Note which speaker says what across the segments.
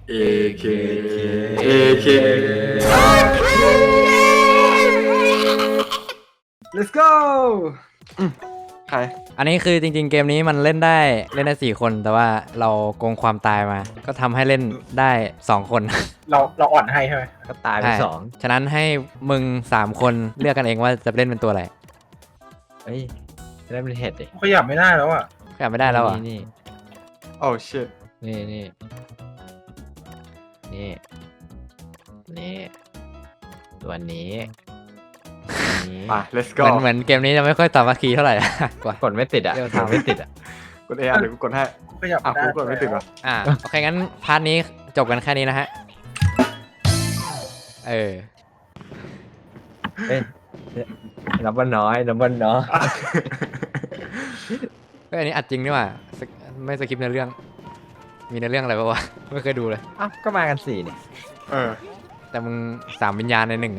Speaker 1: AK AK Let's go ใคร
Speaker 2: อันนี้คือจริงๆเกมนี้มันเล่นได้4 คนแต่ว่าเราโกงความตายมา ก็ทำให้เล่นได้2 คน
Speaker 3: เราอ่อนให้ใช่ไหม
Speaker 4: ก็ตายไป
Speaker 2: ใช่
Speaker 4: 2
Speaker 2: ฉะนั้นให้มึง3 คนเลือกกันเองว่าจะเล่นเป็นตัวอะไร
Speaker 4: เฮ้ยจะได้เป็นเห็ดดิ
Speaker 3: ขยับไม่ได้แล้วอ่ะ
Speaker 2: ขยับไม่ได้แล้วเหรอ่ะ
Speaker 4: นี่
Speaker 1: Oh shit
Speaker 4: นี่นี่นี่นี่ตัวนี้นี้
Speaker 1: ไป let's
Speaker 2: เห
Speaker 1: go
Speaker 2: มือนเกมนี้จะไม่ค่อยสามัคคีเท่าไหร่ กว่า
Speaker 4: กดไม่ติดอ่ะ
Speaker 2: เดี๋ยว
Speaker 4: ทางไม่ติดอ่ะ
Speaker 1: กด A เดี๋ยวกูกดให้
Speaker 3: ขยับ
Speaker 1: อ่ะ
Speaker 3: ไม่ได้
Speaker 1: กูกดไม่ติดวะ
Speaker 2: โอเคงั้นพาร์ทนี้จบกันแค่นี้นะฮะเออ
Speaker 4: เอ้ยนับว่าน้อยนับว่าน้อย
Speaker 2: เฮ้ยอันนี้อัดจริงนี่หว่าไม่สคริปต์ในอเรื่อง มีในอเรื่องอะไรปะวะ ไม่เคยดูเลย
Speaker 4: อ้าวก็มากัน4เนี่ย
Speaker 1: เออ
Speaker 2: แต่มึง3 วิญญาณใน1ไง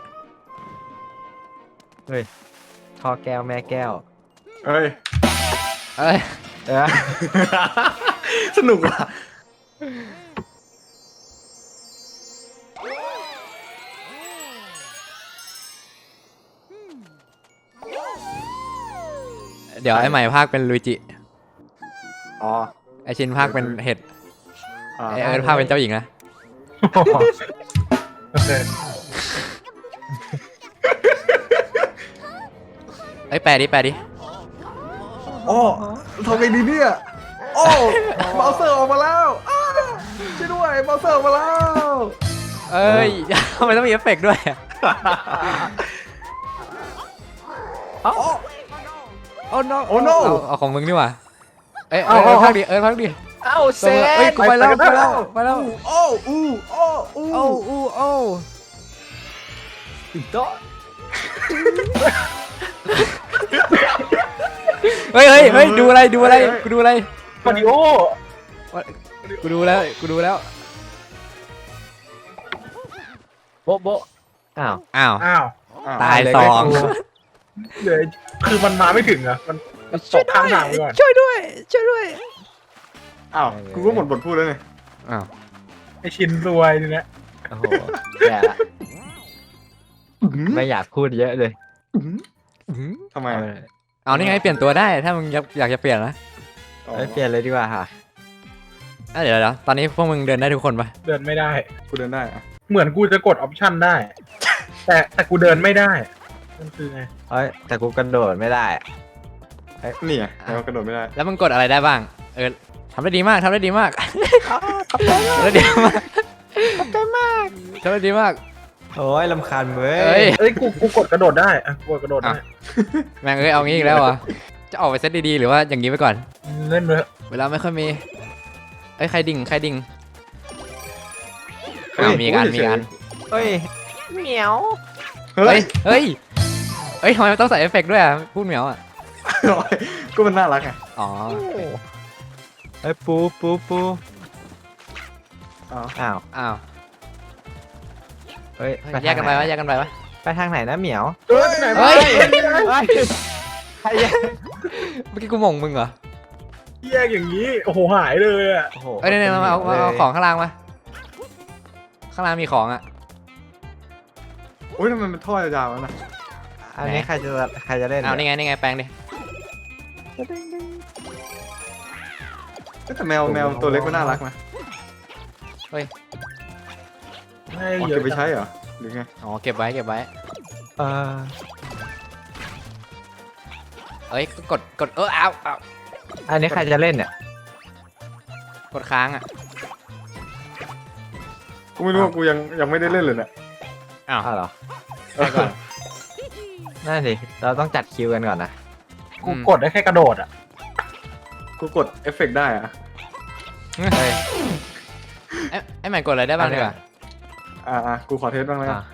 Speaker 4: เฮ้ยพ่อแก้วแม่แก้ว
Speaker 1: เอ้ย
Speaker 2: เอ้ย
Speaker 4: เออ
Speaker 1: สนุกว่ะ
Speaker 2: เดี๋ยวไอ้ใหม่ภาคเป็นลุยจิ
Speaker 1: อ๋อ
Speaker 2: ไอชินภาคเป็นเห็ด
Speaker 1: อ่า
Speaker 2: ไอเอิร์ธภาคเป็นเจ้าหญิงนะ
Speaker 3: โอเค
Speaker 2: ไอยแปลดิ
Speaker 1: โอ้ทำไงดีเนี่ยโอ้เบราว์เซอร์ออกมาแล้วอ้าช่วยด้วยเบราว์เซอร์ออกมาแล้ว
Speaker 2: เอ้ย ทำไมต้องมีเอฟเฟกต์ด้วยอะ
Speaker 1: โอ้
Speaker 2: โอ้โน
Speaker 1: โอ้ no
Speaker 2: เอาของมึงดีกว่าเอ้ย
Speaker 1: เอา
Speaker 2: เอิร์ธภาคดิเอิร์ธภาคดิ
Speaker 4: เอ้าเซ
Speaker 2: เอ้ย
Speaker 4: น
Speaker 2: กูไปแล้วไปแล้ว
Speaker 1: โอ้อู้โอ้อู้
Speaker 2: โอ้อู้โอ้
Speaker 4: ติดโต๊ะ
Speaker 2: เฮ้ยดูอะไรกูดูอะไร
Speaker 3: มาริโอ
Speaker 2: กูดูแล้ว
Speaker 4: โบ๊ะโบ๊ะอ้าว
Speaker 2: อ้าว
Speaker 3: อ้าว
Speaker 2: ตาย
Speaker 4: เลย
Speaker 2: 2
Speaker 3: เดี๋ยวคือมันมาไม่ถึงอ่ะมันตกข้างทางไปก่อน
Speaker 2: ช่วยด้วย
Speaker 1: อ้าวกูก็หมดบทพูดแล้วไง
Speaker 2: อ้าว
Speaker 3: ไอชินรวยนี่นะ
Speaker 4: โอ้โหแย่ละไม่อยากพูดเยอะเลย
Speaker 1: ทำไม
Speaker 2: เอานี่ไงเปลี่ยนตัวได้ถ้ามึงอยากจะเปลี่ยนนะ
Speaker 4: ไม่เปลี่ยนเลยดีกว่าค่ะ
Speaker 2: เดี๋ยวตอนนี้พวกมึงเดินได้ทุกคนปะ
Speaker 3: เดินไม่ได้
Speaker 1: กูเดินได้อะ
Speaker 3: เหมือนกูจะกดออปชั่นได้ แต่กูเดินไม่ได้มันคือไง
Speaker 4: เฮ้ยแต่กูกระโดดไม่ได้อะ
Speaker 1: นี่ไงแล้วกระโดดไม่ได้
Speaker 2: แล้วมึงกดอะไรได้บ้างทำได้ดีมากทำได้ดีมากทำได้ดีมาก
Speaker 4: โอ้ยลำคาญเว้
Speaker 2: เอ้
Speaker 4: ย
Speaker 2: ย
Speaker 3: เอ้ยกูกดกระโดดได้อ่ะกูกดกระโดดได้
Speaker 2: แม่งเอางี้อีกแล้วเหรอจะออกไปเซตดีๆหรือว่าอย่างนี้ไปก่อน
Speaker 3: เล่นเลย
Speaker 2: เวลาไม่ค่อยมีใครดิ่ง
Speaker 1: เฮ้ย
Speaker 2: มีกัน
Speaker 4: เฮ้ยเหมียว
Speaker 1: เฮ้ย
Speaker 2: เฮ้ยทำไมมันต้องใส่เอฟเฟกต์ด้วยอ่ะพูดเหมียวอ่ะ
Speaker 1: ก็มันน่ารักไง
Speaker 2: อ๋อ
Speaker 4: เฮ้ยปู
Speaker 1: อ๋อ
Speaker 4: อ้าว
Speaker 2: อ้าว
Speaker 4: เฮ้ย
Speaker 2: แยกกันไปวะ
Speaker 4: ไปทางไหนนะเหมียว
Speaker 3: เฮ้ยไหน
Speaker 2: เฮ้
Speaker 3: วะ
Speaker 2: ย
Speaker 4: ใครแยก
Speaker 2: เมื่อกี้กูหม่งมึงเหรอ
Speaker 3: แยกอย่างนี้โอ้โหหายเลยอ่ะ
Speaker 4: โอ้โห
Speaker 2: เนี่ยมาเอาของข้างล่างมาข้างล่างมีของอ่ะ
Speaker 1: โอ้ยทำไมมันท่อยาวๆวะนะ
Speaker 4: อันนี้ใครจะเล่น
Speaker 2: เอานี่ไงแปลงดิ
Speaker 1: แต่แมวตัวเล็กก็น่ารักนะ
Speaker 3: ให้
Speaker 1: อ๋อ
Speaker 3: เย
Speaker 1: เก็
Speaker 3: อะ
Speaker 1: บไปใช้เหรอหรือไง
Speaker 2: อ๋อเก็บไว้
Speaker 4: เออ
Speaker 2: เอ้ยกดเอา
Speaker 4: อันนี้ใครจะเล่นเนี่ย
Speaker 2: กดค้างอ่ะ
Speaker 1: กูไม่รู้ว่ากูยังไม่ได้เล่นเลยเนี่ย
Speaker 2: อ้าว
Speaker 4: อ้าวเหรอ
Speaker 2: ไปก่อน
Speaker 4: นั่นสิเราต้องจัดคิวกันก่อนนะ
Speaker 3: กูกดได้แค่กระโดดอ่ะ
Speaker 1: กูกดเอฟเฟกต์ได้อะ
Speaker 4: เฮ้ย
Speaker 2: ไอ้ใหม่กดอะไรได้บ้างดีกว่า
Speaker 1: กูขอเทสบ้างแล้วกัน
Speaker 4: อ่ะ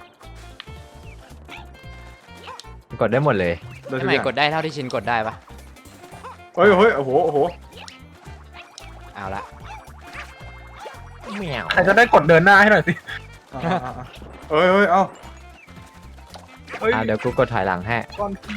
Speaker 4: กดได้หมดเลย
Speaker 1: ได้
Speaker 2: ไอ้
Speaker 1: ทุ
Speaker 2: ให
Speaker 1: ก
Speaker 2: ม่
Speaker 1: อย่าง
Speaker 2: กดได้เท่าที่ชินกดได้ปะ
Speaker 1: เฮ้ยโอ้โห
Speaker 2: เอาละ
Speaker 4: เหมียว
Speaker 3: ใครจะได้กดเดินหน้าให้หน่อยสิ
Speaker 1: เฮ้ยเอ้า
Speaker 3: เฮ้ย
Speaker 4: เดี๋ยวกูกดถอยหลังให้
Speaker 3: ก้อนขี้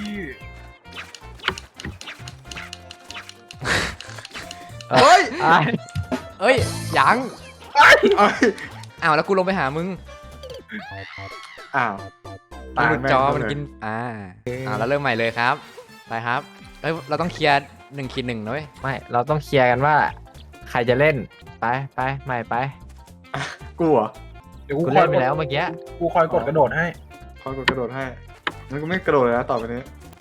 Speaker 1: เฮ้ย
Speaker 4: อ่ะ
Speaker 2: เอ้ยยัง
Speaker 1: เอ้ย
Speaker 2: อ้าวแล้วกูลงไปหามึง
Speaker 1: อ้าว
Speaker 2: มันหลุดจอ
Speaker 1: แม่ง
Speaker 2: มันกินแล้วเริ่มใหม่เลยครับไปครับเฮ้ยเราต้องเคลียร์1-1นะเว้ย
Speaker 4: ไม่เราต้องเคลียร์กันว่า ใครจะเล่นไปใหม่ไป
Speaker 1: กูเหรอ
Speaker 3: เดี๋ยว
Speaker 4: กู
Speaker 3: กูคอ
Speaker 4: เล่
Speaker 3: ย
Speaker 4: นไปแล้วเมื่อกี้
Speaker 3: กูคอยกดกระโดดให้
Speaker 1: คอยกดกระโดดให้งั้นกูไม่กระโดดเลยนะต่อไปนี้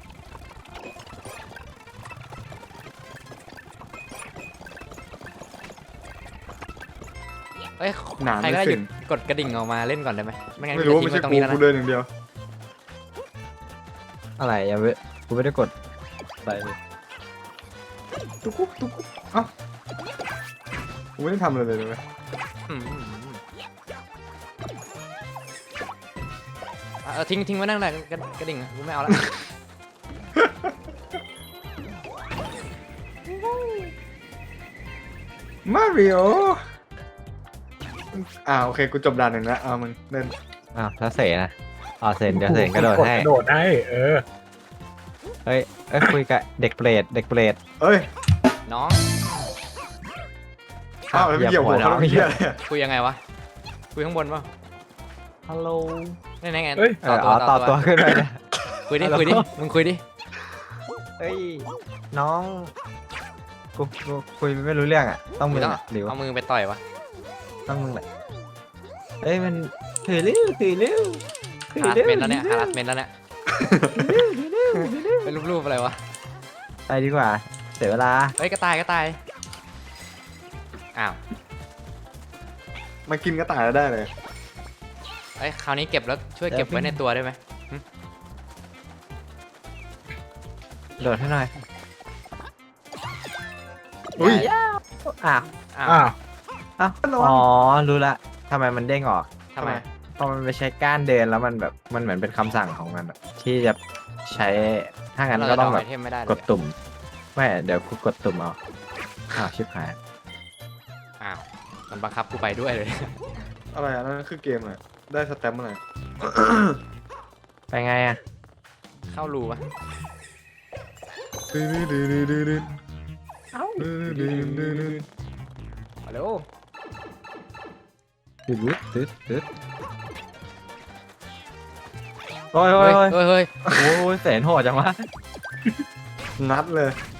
Speaker 2: เอ้ย
Speaker 1: หนาม
Speaker 2: ใคร
Speaker 1: ไม่
Speaker 2: ก็ได้ห
Speaker 1: สิ้
Speaker 2: ยุ
Speaker 1: น
Speaker 2: ดกดกระดิ่งออกมาเล่นก่อนได้ไหมไม่งั้น
Speaker 1: ไม่รู้
Speaker 2: กู
Speaker 1: ไม่
Speaker 2: จะ
Speaker 1: ใช่
Speaker 2: ทิ้งไว้ตรงนี้แล้ว
Speaker 1: กู
Speaker 2: นะ
Speaker 1: เดินอย่างเดียว
Speaker 4: อะไรยังไม่กูไม่ได้กดอะไรเลย
Speaker 1: ตุ๊กกุ๊กตุ๊กกุ๊กเอ้ากูไม่ได้ทำอะไรเลยเลย
Speaker 2: อืมทิ้งไว้นั่งเลยกระดิ่งอะกูไม่เอาละ
Speaker 1: มาริโอโอเคกูจบด่านหนึ่งแล้วมึงเล่น
Speaker 4: อ้าวแล้วเสนะอ๋อเสนเดี๋ยวเสนกระโดดให้
Speaker 3: กระโดดให้
Speaker 4: เอ้ยคุยกับเด็กเปรต
Speaker 1: เอ้ย
Speaker 2: น้อง
Speaker 1: อ้าวแล้วไม่เกี่ยวหัวเขาไม่เกี่ยวเลยอะ
Speaker 2: คุยยังไงวะคุยข้างบนป่ะ
Speaker 4: ฮัลโหล
Speaker 2: นี่ไง
Speaker 3: เฮ้ย
Speaker 4: ต่อตัวขึ้นไปนะ
Speaker 2: คุยดิ
Speaker 4: ฮัลโหล
Speaker 2: คุยดิมึงคุยดิ
Speaker 4: เอ้ยน้องกูคุยไม่รู้เรื่องอ่ะต้องมึง
Speaker 2: ต้อง
Speaker 4: อะหรือว่า
Speaker 2: เอามือไปต่อยวะ
Speaker 4: ต้องมึงแหละเอ้ยมันถือเร็ว
Speaker 2: ฮาร์ดเมนแล้วเนี่ยฮาร์ดเมนแล้วเนี่ยเป็นรูปๆอะไรวะ
Speaker 4: ไปดีกว่าเสียเวลา
Speaker 2: เฮ้ยกระต่ายอ้าว
Speaker 1: มากินกระต่ายแล้วได้เลย
Speaker 2: เอ้ยคราวนี้เก็บแล้วช่วยเก็บไว้ในตัวได้ไหม
Speaker 4: โดดให้หน่อย
Speaker 1: อุ้ย
Speaker 4: อ้าว
Speaker 2: อ้าว
Speaker 3: อ้าว
Speaker 4: อ๋อรู้ละทำไมมันเด้งออก
Speaker 2: ทำไม
Speaker 4: พอมันไปใช้ก้านเดินแล้วมันแบบมันเหมือนเป็นคำสั่งของมันอะที่จะใช้ถ้างั้นก็ต้องแบบ
Speaker 2: ไอเทมไม่ได้เลย
Speaker 4: กดตุ่มไม่เดี๋ยวกูกดตุ่มเอาอ้าวชิบหาย
Speaker 2: อ้าวมันบังคับกูไปด้วยเลย
Speaker 1: อะไรนั่นคือเกมอะไรได้สแตมป์อะไร
Speaker 4: ไปไงอ่ะ
Speaker 2: เข้ารูปะ มาเร็ว
Speaker 4: ตึ๊ดโอ้ย
Speaker 2: เฮ้ย
Speaker 4: โอ้ยแสนโหดจังวะ
Speaker 1: นัดเลย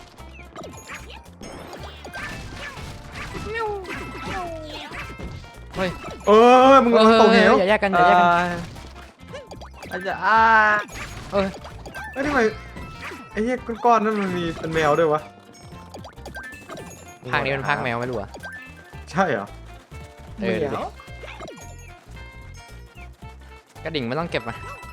Speaker 2: เฮ้ย
Speaker 1: มึงกำลังตกเหว
Speaker 2: อย่าแยกกัน
Speaker 4: อาจจะ
Speaker 1: เอ้ยทำไมไอ้เหี้ยก้อนๆนั่นมันมีเป็นแมวด้วยวะ
Speaker 2: ภาคนี้เป็นภาคแมวไม่รู้อะ
Speaker 1: ใช่เหรอ
Speaker 2: ดูดิกระดิ่งไม่ต้องเก็บมา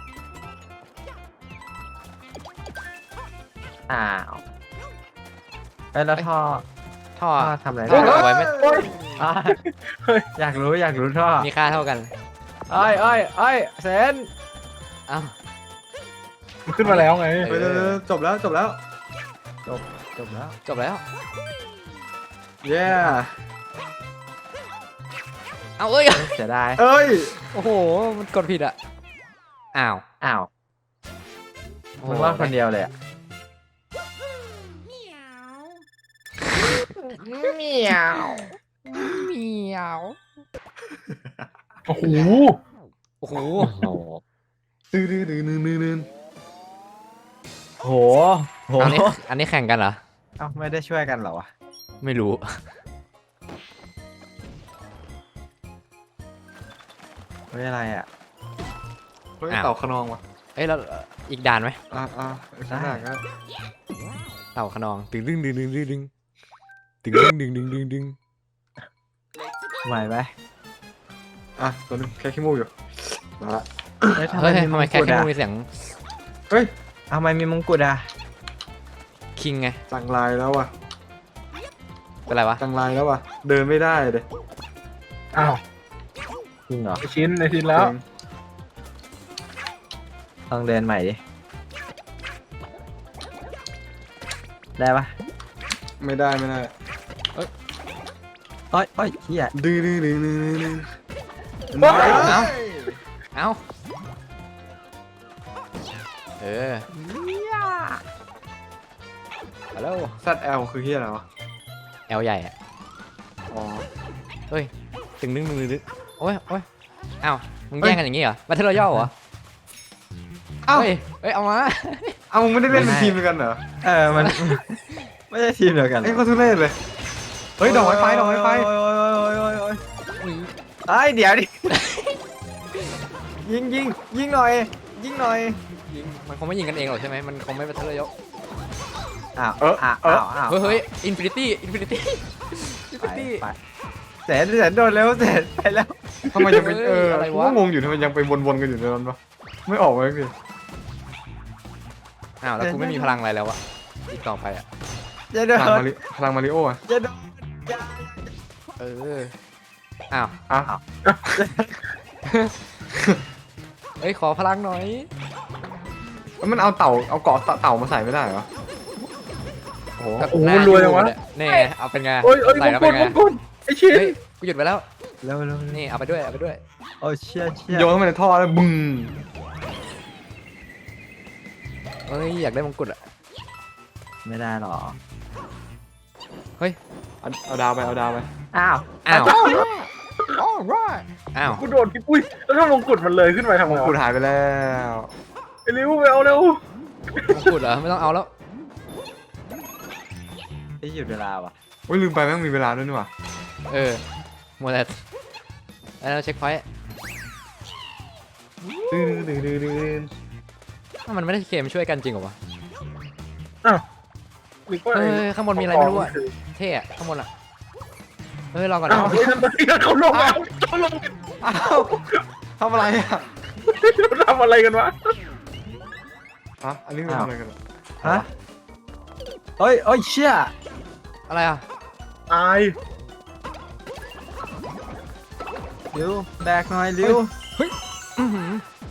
Speaker 4: อ้าวแล้วท่อ
Speaker 2: ท่อ
Speaker 4: ทำอะไร
Speaker 2: ท่อเอาไว้ไม่
Speaker 4: อ่ะอยากรู้ท่อ
Speaker 2: มีค่าเท่ากัน
Speaker 4: เอ้ยเซน
Speaker 2: อ้าว
Speaker 3: มันขึ้นมาแล้วไง
Speaker 1: เฮ้ยจบแล้ว
Speaker 4: จบแล้ว
Speaker 2: จบแล้ว
Speaker 1: เย้
Speaker 2: เอาเอ้ย
Speaker 4: เสียดาย
Speaker 1: เอ้ย
Speaker 2: โอ้โหมันกดผิดอะอ้าว
Speaker 4: มึงว่าคนเดียวเลยอ่ะเหมียว
Speaker 2: เหมียว
Speaker 3: โอ้โห
Speaker 2: โอ้โห
Speaker 4: โอ้โห
Speaker 1: ดื้อ
Speaker 4: โห
Speaker 2: อันนี้แข่งกันเหรอ
Speaker 4: เอ้าไม่ได้ช่วยกันเหรอวะ
Speaker 2: ไม่รู้
Speaker 4: ไม่อะไรอ่ะ
Speaker 1: เฮ้ยเต่าขนองวะ
Speaker 2: เอ้ยเราอีกด่านไหม
Speaker 1: ข้างหน้าก็
Speaker 2: เต่าขนองตึงดึง
Speaker 4: ไหวไหม
Speaker 1: ตัวนึงแค่ขี้มูกอยู่มาละ
Speaker 2: เฮ้ยทำไมแค่แค่มีเสียง
Speaker 1: เฮ้ย
Speaker 4: ทำไมมีมงกุฎอ่ะ
Speaker 2: คิงไง
Speaker 1: จังลายแล้วว่ะ
Speaker 2: เป็นไรวะ
Speaker 1: จังลายแล้วว่ะเดินไม่ได้เลย
Speaker 3: อ้าว
Speaker 4: จริงเหรอ
Speaker 3: ในชิ้นแล้ว
Speaker 4: ต้องเดินใหม่ดิได้ปะ
Speaker 1: ไม่ได้
Speaker 4: เอ้ยเฮีย
Speaker 1: ดื้อ
Speaker 2: เอ้าฮัลโหล
Speaker 1: ซัดแอลคือเฮียอะไรวะ
Speaker 2: แอลใหญ่อะ
Speaker 1: อ๋อ
Speaker 2: เฮ้ยตึงนึงนึงนึงโอ้ยโอ้ยอ้าวมึงแย่งกันอย่างงี้เหรอบัตเทิลรอยัลเหรอ
Speaker 1: เอ้า
Speaker 2: เฮ้ยเฮ้ยเอามา
Speaker 1: เอามึงไม่ได้เล่นเป็นทีมเดียวกันเหรอ
Speaker 4: มัน ไม่ใช่ทีมเดียวกัน
Speaker 1: ไอ้ก็ทุเรศเลยเฮ้ยดอกไม้ไฟดอกไม้ไฟ
Speaker 4: โอ้ยไอ้เดี๋ยวดิ ยิงหน่อย ยิงหน่อย
Speaker 2: ยิงมันคงไม่ยิงกันเองหรอกใช่ไหมมันคงไม่บัตเทิลรอยัล
Speaker 4: อ้าว
Speaker 1: เออ
Speaker 4: อ้าว
Speaker 1: เออ
Speaker 4: อ้าว
Speaker 2: เฮ้ยเฮ้ยอินฟินิตี้อินฟินิตี้อินฟิ
Speaker 4: ไป
Speaker 2: นิตี้
Speaker 4: ไปแสนโดนแล้วแสนไปแล้ว
Speaker 1: ทำไมยังเป็น
Speaker 2: เฮ้ยอะไรวะ
Speaker 1: กูก็งงอยู่ทำไมยังไปวนๆกันอยู่ในนั้นวะไม่ออกมาสักที
Speaker 2: อ้าวแล้วกูไม่มีพลังอะไรแล้วอะอีกต่อไปอะ
Speaker 4: จะโด
Speaker 1: พลัง
Speaker 4: น
Speaker 1: มาริโออะ
Speaker 4: จะโดน
Speaker 2: เอออ้าว
Speaker 1: อ่ะ
Speaker 2: เอ้ยขอพลังหน่อย
Speaker 1: แล้วมันเอาเกาะเต่ามาใส่ไม่ได้เหรอ
Speaker 2: โอ้โห
Speaker 3: โอ้โหรวยจังวะ
Speaker 2: นี่เอาเป็นไง
Speaker 3: โอ้ยโอ้ย
Speaker 2: ใส่
Speaker 3: ม
Speaker 2: แล้ว
Speaker 3: ง
Speaker 2: เป็
Speaker 3: กุฎ
Speaker 2: นไง
Speaker 3: มงกุฎไอ้ชิ้น
Speaker 2: เฮ้ยกูหยุดไปแล้ว
Speaker 4: เร็ว
Speaker 2: นี่เอาไปด้วยเอาไปด้วย
Speaker 4: โอ้เชี่ย
Speaker 1: โยนเข้าไปในท่อแล้วบึ้ง
Speaker 2: เอ้ยอยากได้มงกุฎอะ
Speaker 4: ไม่ได้หรอ
Speaker 1: เอาดาวไปเอาดาวไป
Speaker 4: อ้าว
Speaker 2: อ้าว
Speaker 1: อ๋อร้าย
Speaker 2: อ้าว
Speaker 3: กูโดนพี่ปุ้ยแล้วถ้ามงกุฎมันเลยขึ้นไปทำไง
Speaker 1: กู
Speaker 3: วะ
Speaker 1: หายไปแล้ว
Speaker 3: ไปเร็วไปเอาเร็ว
Speaker 2: มงกุฎเหรอไม่ต้องเอาแล้ว
Speaker 4: ไอ้หยุดเวลาว่ะ
Speaker 1: โอ้ยลืมไปแม่งมีเวลาด้วยนี่หว่า
Speaker 2: เออมัวแต่แล้วเช็คพอยต์ ถ้ามันไม่ได้เกมช่วยกันจริงเหรอวะ
Speaker 3: หรือว่า
Speaker 2: เฮ้ยข้างบนมีอะไรไม่รู้อะเท่อะข้างบนอะเฮ้ยรอก่อน
Speaker 3: อ้าว
Speaker 2: นะ
Speaker 3: เฮ้ยทำไมเขาลงแล้วเขาลง
Speaker 1: อ้าวทำอะไรอ่ะ
Speaker 3: ทำอะไรกันวะ
Speaker 1: ฮะอันนี้คือทำอะไรกันอะ
Speaker 4: ฮะเฮ้ยเชี่ย
Speaker 2: อะไรอะ
Speaker 3: ตาย
Speaker 4: เร็วแบกหน่อยเร็ว
Speaker 2: อื้อหือ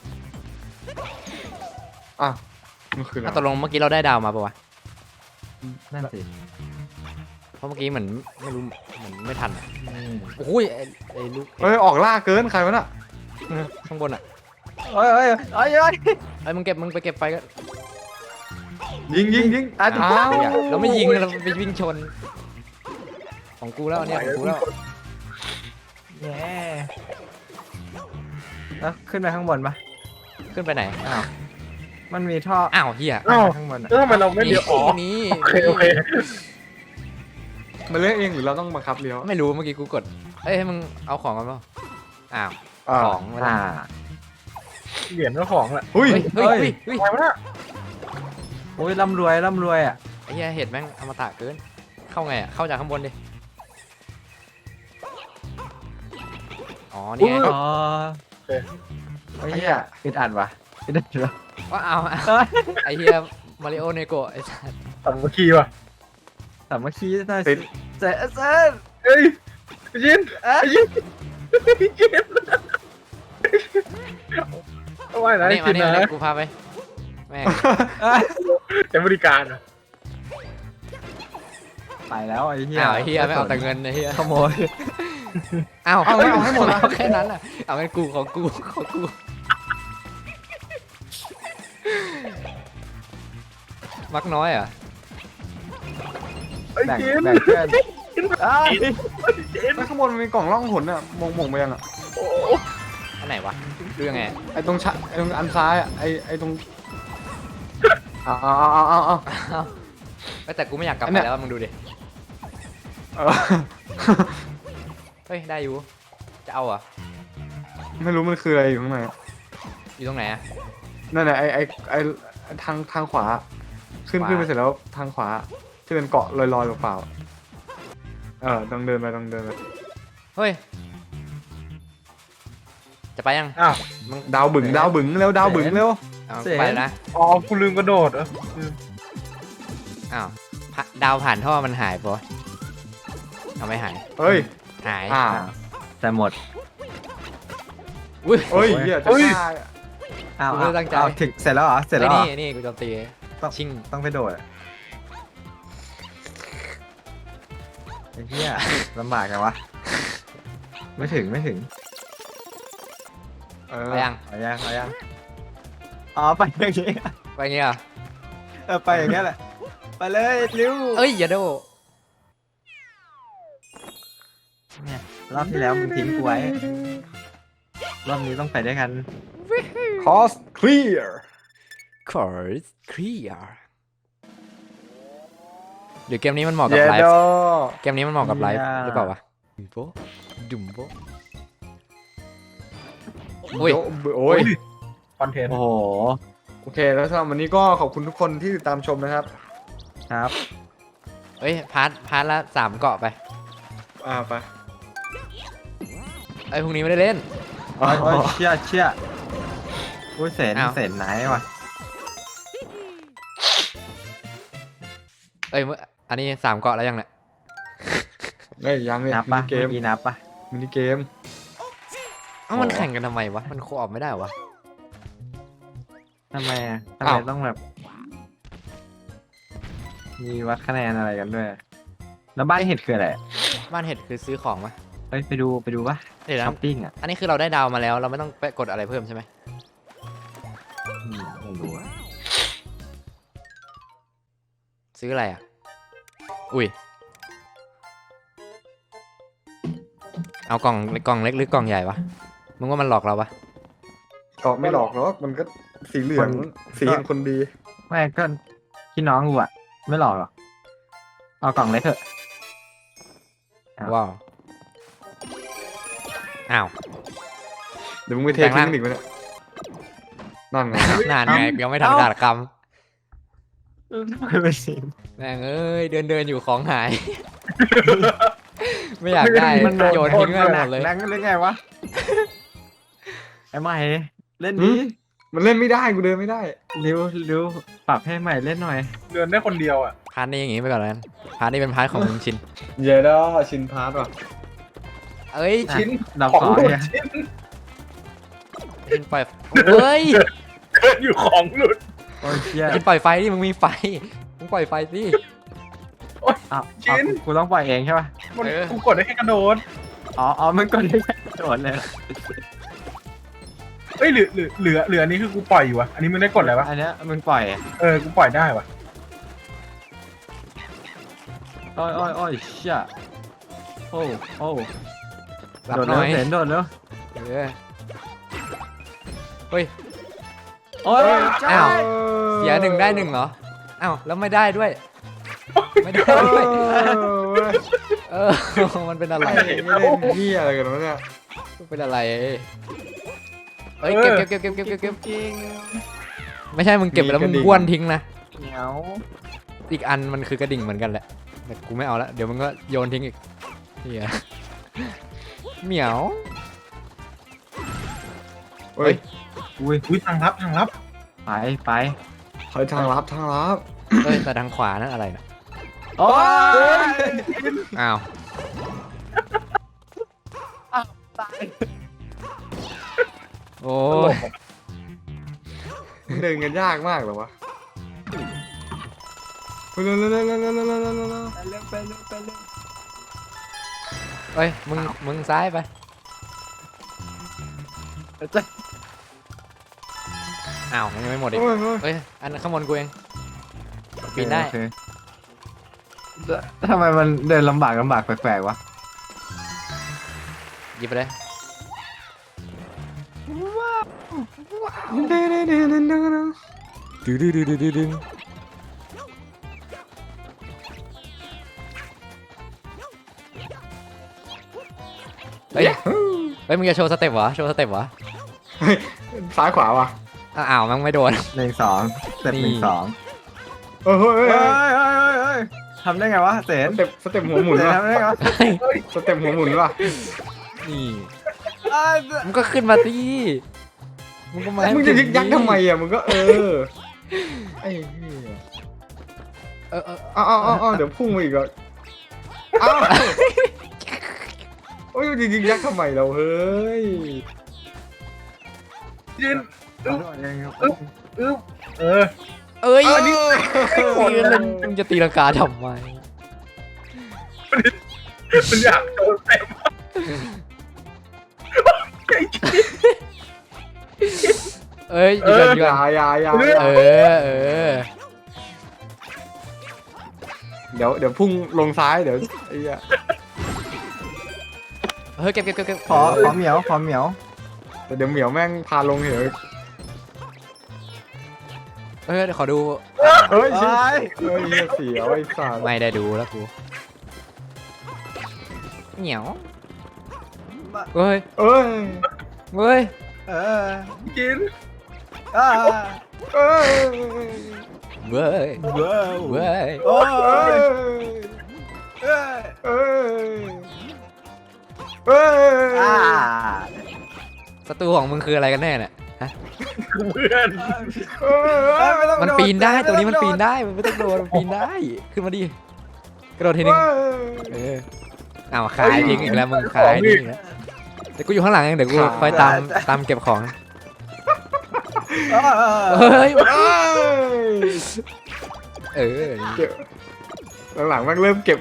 Speaker 1: อ่ะมันคืออะไร
Speaker 2: อ่ะตกลงเมื่อกี้เราได้ดาวมาปะวะ
Speaker 4: นั่นสิ
Speaker 2: เพราะเมื่อกี้เหมือนไม่รู้เหมือนไม่ทันอะโอ้ยไอ้ลูก
Speaker 1: เฮ้ยออกล่าเกินใครวะน่ะ
Speaker 2: ข้างบนอะ
Speaker 4: เฮ้ย
Speaker 2: ไอ้มึงไปเก็บไฟก็
Speaker 1: ยิง
Speaker 2: อ้า
Speaker 1: อ้าว ว
Speaker 2: เราไม่ยิงเราไปวิ่งชน ของกูแล้วเนี่ยของกูแล้ว
Speaker 4: แย่แล้วขึ้นไปข้างบนปะ
Speaker 2: ขึ้นไปไหน
Speaker 4: อ้าวมันมีท่อ
Speaker 2: อ้าวเฮีย
Speaker 3: อ้าว
Speaker 4: ข้างบนอะ
Speaker 3: แล้วทำไมเราไม่เลี้ยวอ๋อ
Speaker 2: นี่
Speaker 3: โอเคโอเค
Speaker 1: มันเลือกเองหรือเราต้องบังคับเลี้ยว
Speaker 2: ไม่รู้เมื่อกี้กูกดเอ้ยให้มึงเอาของกันเปล่าอ้าว
Speaker 1: อ่า
Speaker 2: ของไม่ได้
Speaker 3: เหรียญเจ้าของแหละ
Speaker 1: หุ้ย
Speaker 2: เฮ้ยเฮ้ยเฮ้ย
Speaker 3: ทำไมวะเนี่ย
Speaker 4: โอ้ยร่ำรวยอ่ะ
Speaker 2: ไอ้เหี้ยเห็ดแม่งอมตะเกิน เข้าไงอ่ะ เข้าจากข้างบนดิ อ๋อ นี่ไง
Speaker 4: อ๋อไอ้เหี้ยอึดอัดวะอึดอัดวะ
Speaker 2: ว่าเอาไอ้เหี้ยมาริโอเนโกะไอ้สัส
Speaker 3: สามัคคีว่ะ
Speaker 4: สามัคคีหน่อย
Speaker 1: ติ
Speaker 4: สิ
Speaker 1: ด
Speaker 4: เจ๊เจ๊
Speaker 3: เฮ้ยยินยินยินเอาไว้นะ
Speaker 2: มานี่มา
Speaker 3: กิน
Speaker 2: นี่มา
Speaker 3: นะ
Speaker 2: นี่กูพาไป แม่ง
Speaker 3: แต่บริการอ่ะ
Speaker 4: ไปแล้วไอ้เหี้ย
Speaker 2: อ้าวไอ้เหี้ยไม่เอาแต่เงินไอ้เหี้ย
Speaker 4: ขโมย
Speaker 2: อ้าว
Speaker 1: เอาไม่เอาให้หมดนะ
Speaker 2: เอาแค่นั้นอ่ะ เอางั้นกูของกูของกู มักน้อยอ่ะ
Speaker 3: ไอ้
Speaker 4: แบ่ง
Speaker 3: กิน
Speaker 4: แบ่งเพื่อนอ้าว
Speaker 1: แล้วข้างบนมันมีกล่องล่องหนอ่ะมงไปยังอ่ะ
Speaker 3: โอ้
Speaker 2: อันไหนวะดูยังไง
Speaker 1: ไอ้ตรงไอ้ตรงอันซ้ายอ่ะไอ้ตรงเอา
Speaker 2: เอ้ยแต่กูไม่อยากกลับ
Speaker 1: อัน
Speaker 2: ไป
Speaker 1: เนี้ย
Speaker 2: แล้วมึงดูดิ
Speaker 1: เออ
Speaker 2: เฮ้ย ได้อยู่ จะเอาเหรอ่ะ
Speaker 1: ไม่รู้มันคืออะไรอยู่ข้างในอะ
Speaker 2: อยู่ตรงไหนอ่ะ
Speaker 1: นั่นแหละไอ้ทางขวา ขึ้น
Speaker 2: ขวา
Speaker 1: ขึ้นไปเสร็จแล้วทางขวาที่เป็นเกาะลอยๆเปล่าๆต้องเดินไป
Speaker 2: เฮ้ย จะไปยัง
Speaker 3: อ้าว
Speaker 2: มึง
Speaker 1: ดาวบึ๋งเร็วดาวบึ๋งเร็ว
Speaker 2: เอาไปแล้วนะ
Speaker 3: อ๋อกูลืมกระโดดเหรอ
Speaker 2: อ้าวดาวผ่านท่อมันหายปะเอาไม่หาย
Speaker 1: เฮ้ย
Speaker 2: หาย
Speaker 4: แต่หมด
Speaker 2: อุ้ย
Speaker 1: เฮ้ยเหี้ยจะฆ่า
Speaker 4: อ้าว
Speaker 2: กูไม่ได้ตั้งใจ
Speaker 4: อ้าวถึงเสร็จแล้วเหรอเสร็จแล้วเหรอ
Speaker 2: นี่กูโจมตี
Speaker 4: ต้อง
Speaker 2: ชิง
Speaker 4: ต้องไปโดดอะไอ้เหี้ยลำบากไงวะไม่ถึง
Speaker 1: เออ
Speaker 2: ไปยัง
Speaker 4: เอายังอ๋อไปอย่างงี้
Speaker 2: ไปเงี้ยเหรอ
Speaker 4: ไปอย่างเงี้ยแหละไปเลยเร็ว
Speaker 2: เอ้ยอย่าโด
Speaker 4: เนี่ยรอบที่แล้วมึงทิ้งกูไว้รอบนี้ต้องไปด้วยกัน
Speaker 1: คอสเคลียร์
Speaker 2: Course clear หรือเกมนี้มันเหมาะกับ
Speaker 1: เย
Speaker 2: ไล
Speaker 1: โด
Speaker 2: ฟ์เกมนี้มันเหมาะกับไลฟ์
Speaker 4: อย่า
Speaker 2: หรือเปล่าวะดุมโบอุ้ย
Speaker 1: โอ้ย
Speaker 3: คอนเทนต์
Speaker 4: โอ้โห
Speaker 1: โอเคแล้วสำหรับวันนี้ก็ขอบคุณทุกคนที่ติดตามชมนะครับ
Speaker 4: ครับ
Speaker 2: เฮ้ยพาร์ทละ3 เกาะไป
Speaker 1: ไป
Speaker 2: ไอ้พรุ่งนี้ไม่ได้เล่น
Speaker 4: โอ้ยเชี่ยอุ้ยเสน
Speaker 2: อ้าว
Speaker 4: เสนไหนวะ
Speaker 2: เอ้ยอันนี้3 เกาะแล้วยังเนี่ย
Speaker 1: เฮ้ยยังเนี่ย
Speaker 4: นับ
Speaker 1: มิ
Speaker 4: ปะ
Speaker 1: นิเก
Speaker 4: เมื่
Speaker 1: ม
Speaker 4: อกี้นับปะ
Speaker 1: มินิเกม
Speaker 2: เอ้ามันแข่งกันทำไมวะมันโคออปไม่ได้วะ
Speaker 4: ทำไมอะทำไม
Speaker 2: อ้าว
Speaker 4: ต้องแบบ มีวัดคะแนนอะไรกันด้วย แล้วบ้านเห็ดคืออะไร
Speaker 2: บ้านเห็ดคือซื้อของมะ
Speaker 4: เฮ้ยไปดูปะ
Speaker 2: เดี๋ยวนะ
Speaker 4: ช้อปปิ้งอ่ะ
Speaker 2: อันนี้คือเราได้ดาวมาแล้วเราไม่ต้องไปกดอะไรเพิ่มใช่ไหม
Speaker 4: ไม่รู้อะ
Speaker 2: ซื้ออะไรอ่ะอุ้ยเอากล่องเล็กหรือกล่องใหญ่วะมึงว่ามันหลอกเราปะ
Speaker 1: ก็ไม่หลอกหรอกมันก็สีเหลืองสีแห่งคนดี
Speaker 4: ไม่ก็พี่น้องกูอ่ะ ไม่หลอกหรอกเอากล่องเล็กเถอะ ครับ
Speaker 2: ว้าวอ้าว
Speaker 1: เดี๋ยวมึงไปเท
Speaker 2: แปลงร่าง
Speaker 1: ทิ้งอีกไหมเนี่ยนั่นไง
Speaker 2: นานไงยังไม่ทันขาดค
Speaker 4: ไม่เป็นสิ
Speaker 2: ำแม่งเอ้ยเดินอยู่ของหาย ไม่อยากได้
Speaker 4: มัน
Speaker 2: โยนทิ้งไปหมดเลย
Speaker 4: นั่งเล่นไงวะ ไอ้ใหม่เล่นดี
Speaker 1: มันเล่นไม่ได้กูเดินไม่ได้
Speaker 4: ริวปรับให้ใหม่เล่นหน่อย
Speaker 3: เดินได้คนเดียวอ่ะ
Speaker 2: พาร์ทนี้อย่างงี้ไปก่อนแล้วกันพาร์ทนี้เป็นพาร์ทของมึงชิน
Speaker 1: เยโดชินพาร์ทว่ะ
Speaker 2: เอ้ย
Speaker 4: อ่ะ
Speaker 3: ชิ้น
Speaker 4: เรา
Speaker 3: ของ
Speaker 4: ขอ
Speaker 3: หลุด
Speaker 4: เนี่ย
Speaker 3: ชิ้น
Speaker 2: ชินปล่อยเฮ้ย
Speaker 3: เกิดอยู่ของหลุด
Speaker 4: โอ้ยเชี่ย
Speaker 2: ชินปล่อยไฟดิมึงมีไฟมึงปล่อยไฟสิ
Speaker 4: อ้าว
Speaker 3: ชิ้น
Speaker 4: กูต้องปล่อยเองใช่ป่ะ
Speaker 3: มัน
Speaker 2: เออ
Speaker 3: กูกดได้แค่กระโดด
Speaker 4: อ๋อมันกดได้แค่โดดเลยเหรอ
Speaker 3: เอ้ยเหลืออันนี้คือกูปล่อยอยู่วะอันนี้มึงได้กดอะไรวะ
Speaker 4: อันเนี้ยมึงปล่อย
Speaker 3: กูปล่อยได้วะ
Speaker 4: อ้อยเชี่ยโอ้
Speaker 2: รับ
Speaker 4: โดด
Speaker 2: หน่อย
Speaker 4: เร็วเสนโดดเร็ว
Speaker 2: เออเฮ้ย
Speaker 4: โอ้ย
Speaker 2: อ้าว เสีย1ได้1เหรออ้าวแล้วไม่ได้ด้วย ไม่ได้ด้วยเออมันเป็นอะไร
Speaker 1: ไม่เล่นเหี้ยอะไรกันวะเนี่ย
Speaker 2: มันเป็นอะไรเอ้ยเก็บไม่ใช่มึงเก็บไปแล้วมึงบ้วนทิ้งนะ
Speaker 4: เหนียว
Speaker 2: อีกอันมันคือกระดิ่งเหมือนกันแหละแต่กูไม่เอาละเดี๋ยวมึงก็โยนทิ้งอีกเฮียเหมียว
Speaker 1: เฮ้ย
Speaker 3: อุ้ยทางลับ
Speaker 4: ไป
Speaker 1: เฮ้ยทางลับทางลับ
Speaker 2: เอ้ยแต่ทางขวานั่นอะไรนะ
Speaker 4: โอ้ย
Speaker 2: อ้าว
Speaker 4: ตาย
Speaker 2: โอ้ย
Speaker 1: เดินกันยากมากเหรอวะเร็ว
Speaker 4: ไปเร็ว
Speaker 2: เอ้ยมึงซ้ายไป
Speaker 4: จะ
Speaker 2: อ้าวมันยังไม่หมดอีก
Speaker 1: โอ้ย
Speaker 2: เอ้ยอันข้างบนกูเองปีนได้
Speaker 4: โอเคทำไมมันเดินลำบากแปลกๆวะ
Speaker 2: หยิบไปเลย ดึงเฮ้ยมึงจะโชว์สเต็ปเหรอโชว์สเต็ปเหรอ
Speaker 1: ซ้ายขวาวะ
Speaker 2: อ้าวมันไม่โดน
Speaker 4: 1-2สเต็ป
Speaker 2: นี่
Speaker 4: 1-2
Speaker 1: เฮ้ย
Speaker 4: ทำได้ไงวะเสน
Speaker 1: สเต็ปหัวหมุน
Speaker 4: เสน
Speaker 1: วะ
Speaker 4: ทำได้ไงวะ
Speaker 1: สเต็ปหัวหมุนวะ
Speaker 2: นี่มึงก็ขึ้นมาสิมึงก็มาให้
Speaker 1: มึงจะยึกยัก
Speaker 2: ดิ
Speaker 1: ทำไมอ่ะมึงก็ไอ้เหี้ย
Speaker 2: เออ
Speaker 1: อ้าวเดี๋ยวพุ่งมาอีกอ่ะอ้าวโอ้ยมึงจะยึกยักทำไมเราเฮ้ย
Speaker 3: ยืน เออ
Speaker 2: เอ้ย
Speaker 1: อันนี้
Speaker 2: แล้วมึงจะตีลังกาทำไม
Speaker 3: มันอยากโดนเต็มไอ้ชิ้น
Speaker 2: เอ้ยหยุดก่อนหยุด
Speaker 1: อ
Speaker 2: ก่อน
Speaker 1: ย่า
Speaker 2: เออ
Speaker 1: เดี๋ยวพุ่งลงซ้ายเดี๋ยวไอ้เหี้ย
Speaker 2: เฮ้ยเก็บเก็บเก็บเก็บ
Speaker 4: ขอเหมียวขอเหมียว
Speaker 1: แต่เดี๋ยวเหมียวแม่งพาลงเหว
Speaker 2: เฮ้ยเดี๋ยวขอดู
Speaker 1: เฮ้ยชิเฮ้ยเสียวไอ้สัตว์
Speaker 2: ไม่ได้ดูแล้วกูเหนียวเฮ้ย
Speaker 1: เอ้ย
Speaker 2: เฮ้ย
Speaker 3: กิน
Speaker 1: เอ้ย
Speaker 2: เว้ยเว้ย
Speaker 1: เอ้ยเอ้ยเอ้ย
Speaker 2: ศัตรูของมึงคืออะไรกันแน่เนี่ยฮะ
Speaker 3: เพื่อน
Speaker 2: มันปีนได้ตัวนี้มันปีนได้มันไม่ต้องโดนมันปีนได้ขึ้นมาดิกระโดดทีนึงเออเอาขายทิ้งอีกแล้วมึงขายทิ้งอีกแล้วเดี๋ยวกูอยู่ข้างหลังเองเดี๋ยวกูคอยตามเก็บของเฮ้ยเออ
Speaker 1: เก็บหลังๆแม่งเริ่มเก็บ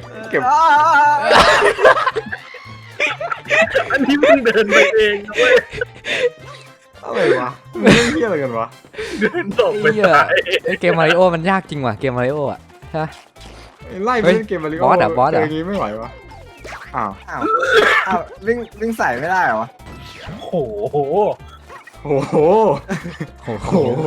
Speaker 3: อันนี้มึงเดินไปเองเว้ย
Speaker 1: อะไรวะมึงเล่นเหี้ยอะไรกันวะ
Speaker 3: เดินตกไป
Speaker 2: เหี้ย
Speaker 3: ตาย
Speaker 2: ไอ้เกมมาริโอมันยากจริงว่ะเกมมาริโออ่ะใช่ไหม
Speaker 1: ไล่ไป
Speaker 2: เฮ้ย
Speaker 1: เล่นเกมมาริโอบ
Speaker 2: อสอะบอสอะ
Speaker 1: ย่างงี้ไม่ไหววะอ้าว
Speaker 4: อ้าววิ่งใส่ไม่ได้เหรอ
Speaker 3: โอ้โห
Speaker 1: โอ้โห
Speaker 2: โอ้โห
Speaker 1: โอ้โห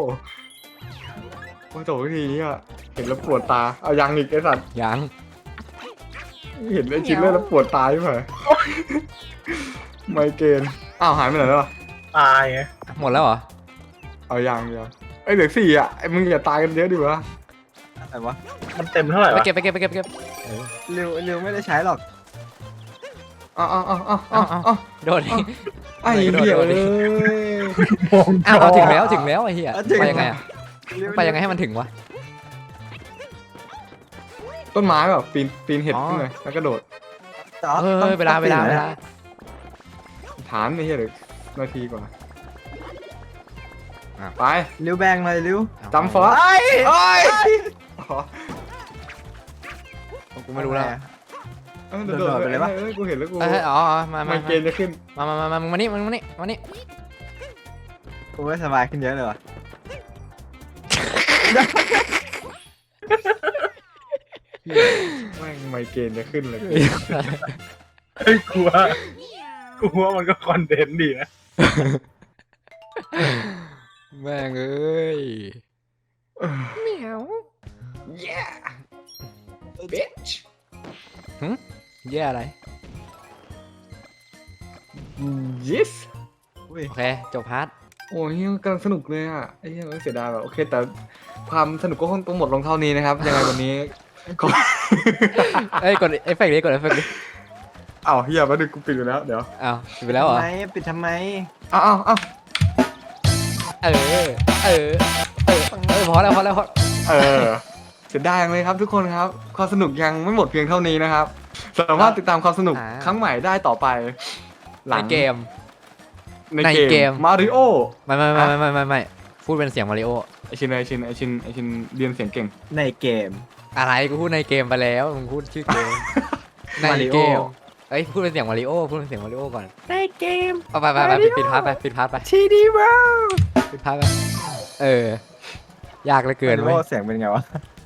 Speaker 1: โอ้โหทีนี้อะเห็นแล้วปวดตาเอายังอีกไอ้สัตว์
Speaker 2: ยัง
Speaker 1: เห็นไอ้ชิ้นเลือดแล้วปวดตาใช่ไหมไมเกรนอ้าวหายไปไหนแล้ววะ
Speaker 3: ตายไง
Speaker 2: หมดแล้วเหรอ
Speaker 1: เอายังไอ้ยเหลือ4อ่ะไอ้มึงอย่าตายกันเยอะดิวะ
Speaker 4: อะไรวะ
Speaker 3: มันเต็มเท่าไหร่
Speaker 2: ไป
Speaker 3: วะ
Speaker 2: เก็บไปเก็บไปเก็บไปเก็บ
Speaker 4: ริวไม่ได้ใช้หรอก
Speaker 1: อ้าว
Speaker 2: โดดดิ
Speaker 1: ไอ้เหี้ยเลย
Speaker 3: มอง
Speaker 2: อ้าวเอาถึงแล้วถึงแล้วไอ้เหี้ย
Speaker 4: ถึง
Speaker 2: ไปยังไงอ่ะไปยังไงให้มันถึงวะ
Speaker 1: ต้นไม้แบบปีนเห็ด
Speaker 2: อ๋อ
Speaker 1: ขึ้นเลยแล้วก็โดด
Speaker 2: เฮ้ยเวลา
Speaker 1: ฐานไอ้เหี้ยเดี๋ยวนาทีกว่า
Speaker 2: อ่ะ
Speaker 1: ไป
Speaker 4: ริวแบงเลยริว
Speaker 1: จำฟอสเอ้ยอ๋อ
Speaker 2: กูไม่รู้แล้ว
Speaker 1: โดดไปเลยปะกูเห็นแล้วกู
Speaker 2: เฮ้ยอ๋อมา
Speaker 1: ไม
Speaker 2: มา
Speaker 1: เกรนจะขึ้น
Speaker 2: มึงมานี่มึงมานี่มานี่
Speaker 4: กูไม่สบายขึ้นเยอะเลยว่ะ
Speaker 1: แม่งไมเกรนจะขึ้นเลย
Speaker 3: เฮ้ยกลัวมันก็คอนเทนต์ดีนะ
Speaker 2: แม่งเอ้ยเหมียว
Speaker 1: yeah bitch
Speaker 2: แย่อะไร
Speaker 1: yes
Speaker 2: โอเคจบพาร์ท
Speaker 1: โอ้ยกำลังสนุกเลยอ่ะไอ้เหี้ยเสียดายแบบโอเคแต่ความสนุกก็คงต้องหมดลงเท่านี้นะครับ ยังไงวันนี้ขอ
Speaker 2: เอ้ยกดเอฟเฟกต์ดิกดเอฟเฟกต์ดิ
Speaker 1: อ้าวเฮียมาดึกกูปิดอยู่แล้วเดี๋ยว
Speaker 2: อ้าวปิดไปแล้วเหรอ
Speaker 4: ทำไมปิดทำไม
Speaker 1: อ้าว
Speaker 2: เออพอแล้วพอ
Speaker 1: เสียดายจังเลยครับทุกคนครับความสนุกยังไม่หมดเพียงเท่านี้นะครับสามารถติดตามความสนุกครั้งใหม่ได้ต่อไปหลั
Speaker 2: ใน
Speaker 1: ง
Speaker 2: เกม
Speaker 1: ใน
Speaker 2: ใน
Speaker 1: เก
Speaker 2: เก
Speaker 1: ม
Speaker 2: ม
Speaker 1: มาริโอ
Speaker 2: ไม่พูดเป็นเสียงมาริโอ
Speaker 1: ไอชินเรียนเสียงเก่ง
Speaker 4: ในเกม
Speaker 2: อะไรกูพูดในเกมไปแล้วมึงพูดชื่อเกมใน
Speaker 4: Mario
Speaker 2: เกมเอ้ยพูดเป็นเสียงมาริโอพูดเป็นเสียงมาริโอก่อน
Speaker 4: ในเกม
Speaker 2: เอาไปปิดพาร์ทไปปิดพาร์ทไป
Speaker 4: ทีดีว้าว
Speaker 2: ปิดพาร์ทไปยากเหลือเกิน
Speaker 4: โอ้
Speaker 2: เว้ย
Speaker 4: เสียงเป็นไงวะ